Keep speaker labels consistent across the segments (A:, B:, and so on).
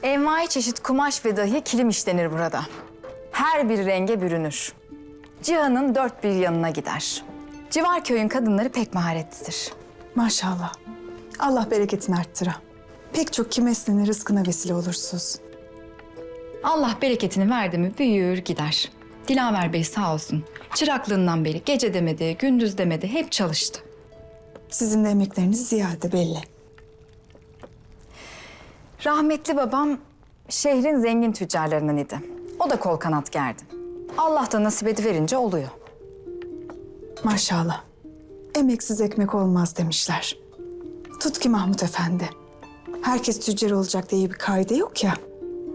A: Envai çeşit kumaş ve dahi kilim işlenir burada. Her bir renge bürünür. Cihan'ın dört bir yanına gider. Civar köyün kadınları pek maharetlidir.
B: Maşallah. Allah bereketini arttıra. Pek çok kimesinin rızkına vesile olursunuz.
A: Allah bereketini verdi mi büyür gider. Dilaver Bey sağ olsun. Çıraklığından beri gece demedi, gündüz demedi hep çalıştı.
B: Sizin de emekleriniz ziyade belli.
A: Rahmetli babam şehrin zengin tüccarlarından idi. O da kol kanat gerdi. Allah da nasip ediverince oluyor.
B: Maşallah. Emeksiz ekmek olmaz demişler. Tut ki Mahmut Efendi. Herkes tüccar olacak diye bir kaide yok ya.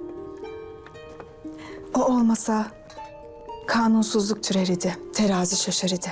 B: O olmasa kanunsuzluk türer idi, terazi şaşar idi.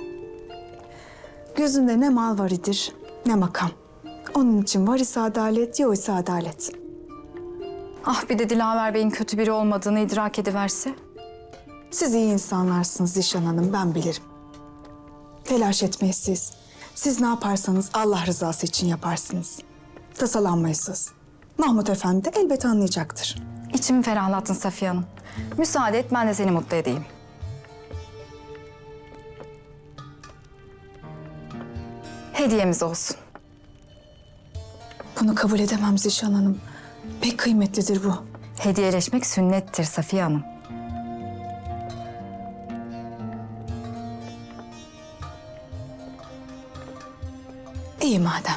B: Gözünde ne mal var idir, ne makam. Onun için var ise adalet, yok ise adalet.
A: Ah bir de Dilaver Bey'in kötü biri olmadığını idrak ediverse.
B: Siz iyi insanlarsınız Zişan Hanım, ben bilirim. Telaş etmeyin siz. Siz ne yaparsanız Allah rızası için yaparsınız. Tasalanmayın siz. Mahmut Efendi de elbet anlayacaktır.
A: İçimi ferahlattın Safiye Hanım. Müsaade et ben de seni mutlu edeyim. Hediyemiz olsun.
B: Bunu kabul edemem Zişan Hanım. Pek kıymetlidir bu.
A: Hediyeleşmek sünnettir Safiye Hanım.
B: İyi madem.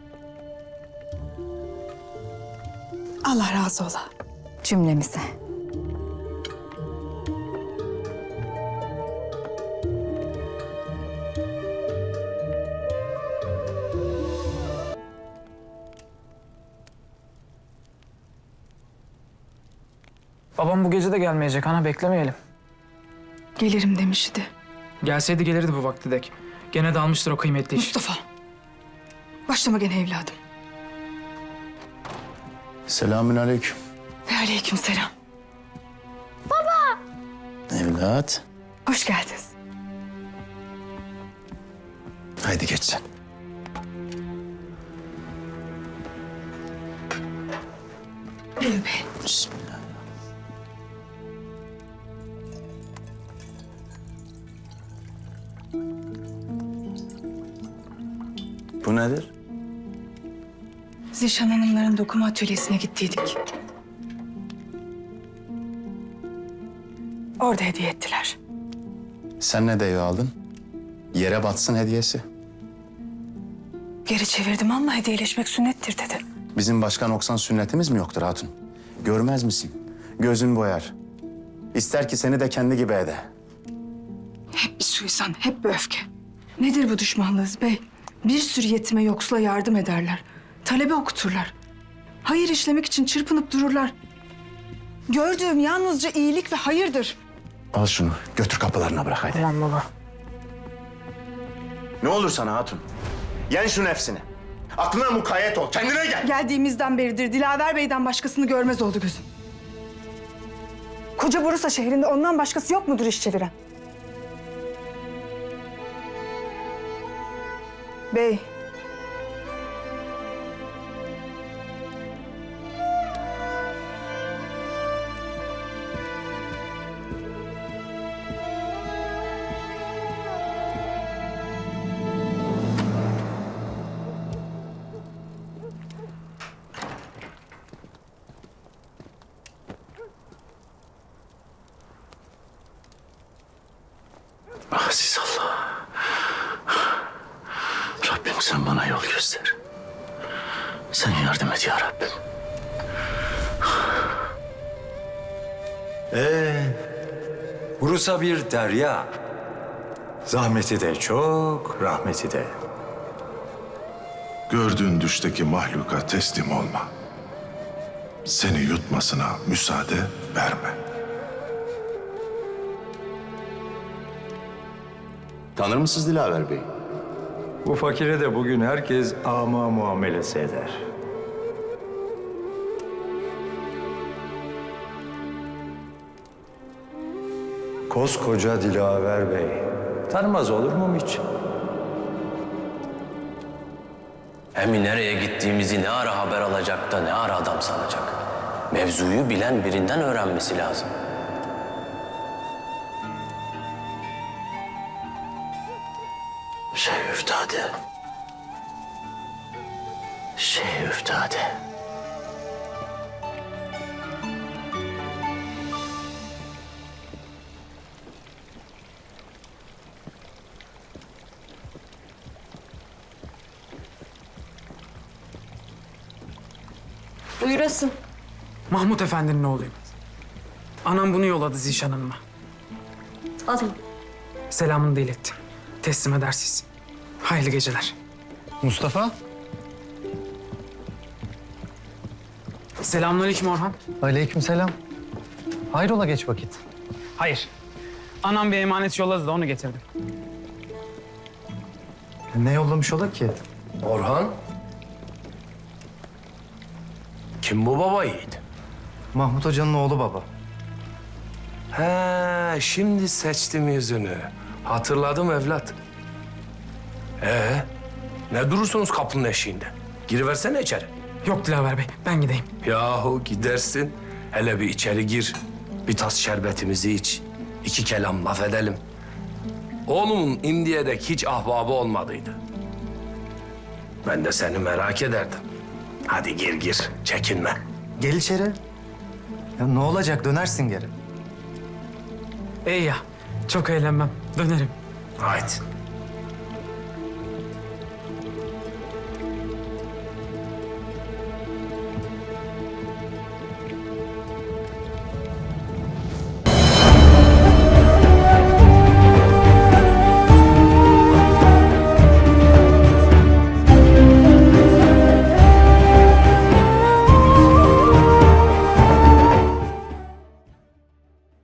B: Allah razı ola.
A: Cümlemize.
C: Babam bu gece de gelmeyecek ana, beklemeyelim.
B: Gelirim demişti.
C: Gelseydi gelirdi bu vakti dek. Gene de almıştır o kıymetli iş.
B: Mustafa. Başlama gene evladım.
D: Selamünaleyküm.
B: Ve aleykümselam.
D: Evlat.
B: Hoş geldiniz.
D: Haydi geç sen.
B: Buyurun bey.
D: Bismillah. Bu nedir?
B: Zişan Hanımların dokuma atölyesine gittiydik. Orada hediye ettiler.
D: Sen ne deyi aldın? Yere batsın hediyesi.
B: Geri çevirdim ama hediyeleşmek sünnettir dedi.
D: Bizim başka noksan sünnetimiz mi yoktur hatun? Görmez misin? Gözün boyar. İster ki seni de kendi gibi ede.
B: Hep bir suizan, hep bir öfke. Nedir bu düşmanlığınız bey? Bir sürü yetime yoksula yardım ederler. Talebe okuturlar. Hayır işlemek için çırpınıp dururlar. Gördüğüm yalnızca iyilik ve hayırdır.
D: Al şunu, götür kapılarına bırak haydi.
C: Tamam baba.
D: Ne olur sana hatun? Yen şu nefsini. Aklına mukayyet ol, kendine gel.
B: Geldiğimizden beridir Dilaver Bey'den başkasını görmez oldu gözüm. Koca Bursa şehrinde ondan başkası yok mudur iş çeviren? Bey.
D: Aziz Allah. Rabbim sen bana yol göster. Sen yardım et ya Rabbim.
E: Bursa bir derya. Zahmeti de çok, rahmeti de.
F: Gördüğün düşteki mahluka teslim olma. Seni yutmasına müsaade verme.
D: Tanır mısınız Dilaver Bey?
E: Bu fakire de bugün herkes ama muamelesi eder. Koskoca Dilaver Bey. Tanımaz olur mu hiç?
G: Hem nereye gittiğimizi ne ara haber alacak da ne ara adam sanacak. Mevzuyu bilen birinden öğrenmesi lazım. Üftade. Üftade.
H: Buyurasın.
C: Mahmut Efendi'nin oğluyum. Anam bunu yolladı Zişan Hanım'a.
H: Alın.
C: Selamını da ilettim. Teslim edersiz. Hayırlı geceler.
I: Mustafa,
C: Selamünaleyküm Orhan.
I: aleykümselam. Hayrola geç vakit?
C: Hayır. Anam bir emanet yolladı da onu getirdim.
I: Ne yollamış ola ki?
G: Orhan? Kim bu baba yiğit?
I: Mahmut Hoca'nın oğlu baba.
J: He, şimdi seçtim yüzünü. Hatırladım evlat. Ne durursunuz kapının eşiğinde? Giriversene içeri.
C: Yok Dilaver Bey, ben gideyim.
J: Yahu gidersin. Hele bir içeri gir. Bir tas şerbetimizi iç. 2 kelam laf edelim. Oğlumun indiye dek hiç ahbabı olmadıydı. Ben de seni merak ederdim. Hadi gir, çekinme.
I: Gel içeri. Ya ne olacak, dönersin geri.
C: İyi ya, çok eğlenmem. Dönerim.
J: Haydi.